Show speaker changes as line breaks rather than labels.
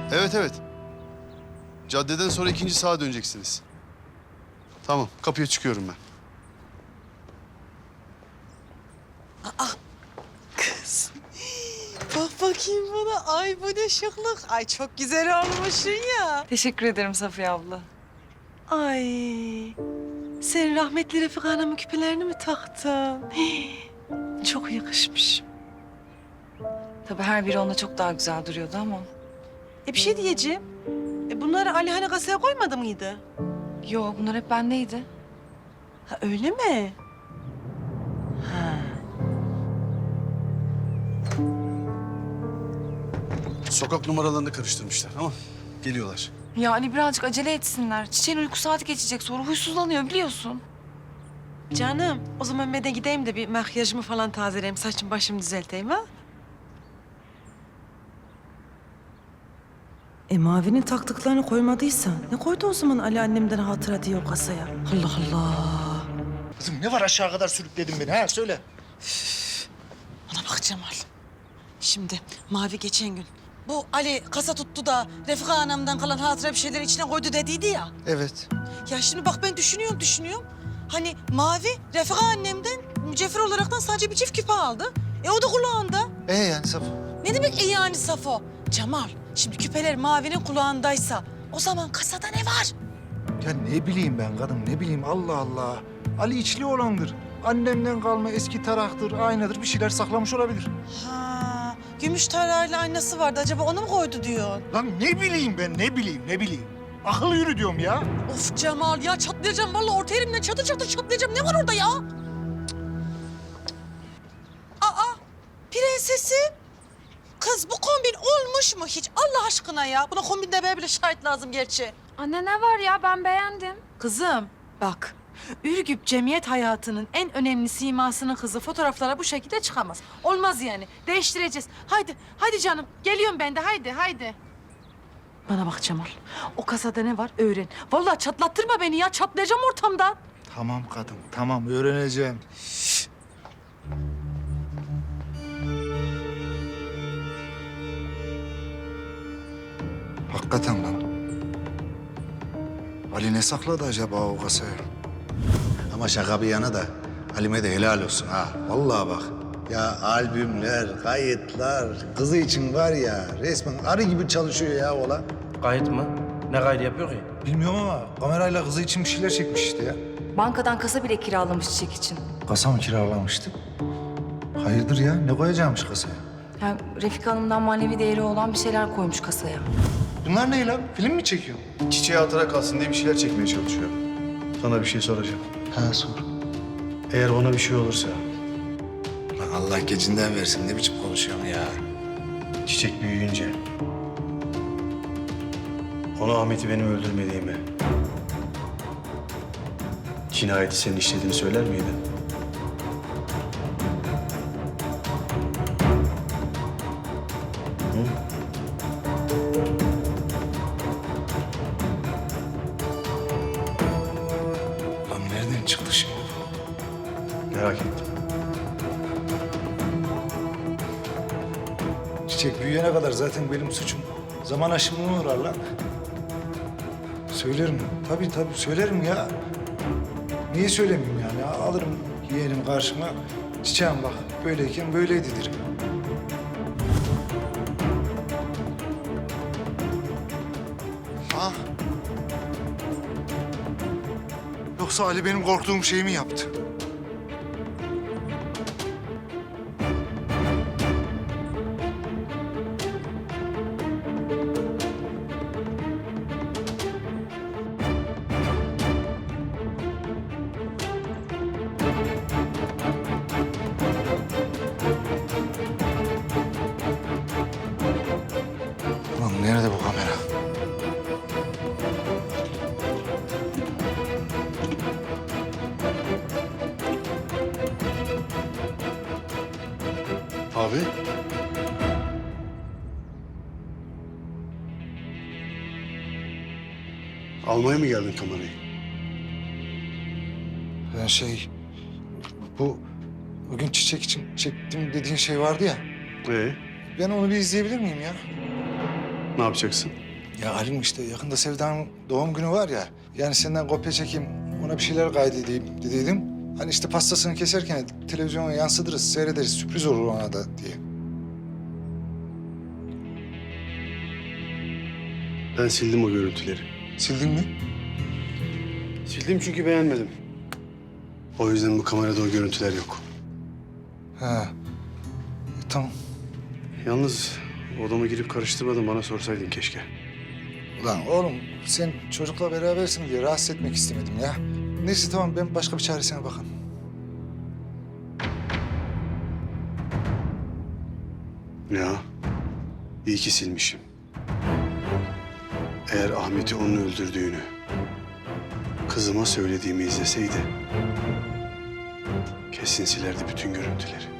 Evet, evet. Caddeden sonra ikinci sağa döneceksiniz. Tamam, kapıya çıkıyorum ben.
Kız. Bak bakayım bana. Ay bu ne şıklık. Ay çok güzel olmuşsun ya.
Teşekkür ederim Safiye abla.
Ay. Sen rahmetli Refika Hanım'ın küpelerini mi taktın? Hii, çok yakışmış.
Tabii her biri ona çok daha güzel duruyordu ama.
Bir şey diyeceğim. Bunları Ali hani kasaya koymadı mıydı?
Yo, bunlar hep bendeydi.
Ha öyle mi? Ha.
Sokak numaralarını karıştırmışlar ama geliyorlar.
Yani birazcık acele etsinler. Çiçeğin uyku saati geçecek, sonra huysuzlanıyor biliyorsun.
Canım, o zaman ben de gideyim de bir makyajımı falan tazeleyeyim, saçımı başımı düzelteyim ha? Mavi'nin taktıklarını koymadıysa ne koydu o zaman Ali annemden hatıra diye o kasaya? Allah Allah.
Kızım ne var aşağı kadar sürükledin beni ha söyle.
Bana bak Cemal. Şimdi Mavi geçen gün bu Ali kasa tuttu da Refika anamdan kalan hatıra bir şeyler içine koydu dediydi ya.
Evet.
Ya şimdi bak ben düşünüyorum. Hani Mavi Refika annemden mücevher olaraktan sadece bir çift küpe aldı. O da kulağında.
Yani Safo?
Ne demek yani Safo? Cemal, şimdi küpeler Mavi'nin kulağındaysa o zaman kasada ne var?
Ya ne bileyim ben kadın ne bileyim Allah Allah. Ali içli olandır. Annemden kalma eski taraktır, aynadır bir şeyler saklamış olabilir.
Ha, gümüş tarağıyla aynası vardı. Acaba onu mu koydu diyor?
Lan ne bileyim ben ne bileyim. Akıl yürü diyorum ya.
Of Cemal ya çatlayacağım. Vallahi orta elimden çatır çatlayacağım. Ne var orada ya? Aa, prensesim. Kız bu kombin olmuş mu hiç? Allah aşkına ya. Buna kombinde böyle şahit lazım gerçi.
Anne ne var ya, ben beğendim.
Kızım bak. Ürgüp cemiyet hayatının en önemli simasının kızı fotoğraflara bu şekilde çıkamaz. Olmaz yani. Değiştireceğiz. Haydi canım. Geliyorum ben de. Haydi. Bana bak Cemal. O kasada ne var öğren. Vallahi çatlattırma beni ya. Çatlayacağım ortamdan.
Tamam kadın tamam öğreneceğim. Hakikaten lan. Ali ne sakladı acaba o kasaya?
Ama şaka bir yana da Halime de helal olsun ha. Vallahi bak. Ya albümler, kayıtlar, kızı için var ya resmen arı gibi çalışıyor ya oğlan.
Kayıt mı? Ne kaydı yapıyor ki?
Bilmiyorum ama kamerayla kızı için bir şeyler çekmiş işte ya.
Bankadan kasa bile kiralamış çiçek için.
Kasa mı kiralamıştı? Hayırdır ya? Ne koyacakmış kasaya?
Yani Refika Hanım'dan manevi değeri olan bir şeyler koymuş kasaya.
Bunlar ne lan? Film mi çekiyor?
Çiçeğe hatıra kalsın diye bir şeyler çekmeye çalışıyor. Sana bir şey soracağım.
Ha sor.
Eğer ona bir şey olursa,
Lan Allah gecinden versin ne biçim konuşuyorsun ya.
Çiçek büyüyünce... ona Ahmet'i benim öldürmediğimi... cinayeti senin işlediğini söyler miydin?
Lan nereden çıktı şimdi?
Merak ettim.
Çiçek büyüyene kadar zaten benim suçum. Zaman aşımına uğrar lan. Söylerim. Tabii söylerim ya. Niye söylemeyeyim yani? Alırım yeğenim karşıma. Çiçeğim bak böyleyken böyleydi derim. Ha? Yoksa Ali benim korktuğum şeyi mi yaptı? Lan nerede bu kamera?
Abi. Almaya mı geldin kamerayı?
Ben bu bugün çiçek için çektim dediğin şey vardı ya.
Ee?
Ben onu bir izleyebilir miyim ya?
Ne yapacaksın?
Ya Halim işte yakında Sevda'nın doğum günü var ya. Yani senden kopya çekeyim, ona bir şeyler kaydedeyim dediydim. Hani işte pastasını keserken televizyona yansıtırız, seyrederiz, sürpriz olur ona da diye.
Ben sildim o görüntüleri.
Sildin mi?
Sildim çünkü beğenmedim. O yüzden bu kamerada o görüntüler yok.
Ha. Tamam.
Yalnız odama girip karıştırmadan bana sorsaydın keşke.
Ulan oğlum sen çocukla berabersin diye rahatsız etmek istemedim ya. Neyse tamam ben başka bir çaresine bakarım.
Ya, iyi ki silmişim. Eğer Ahmet'i onun öldürdüğünü kızıma söylediğimi izleseydi kesin silerdi bütün görüntüleri.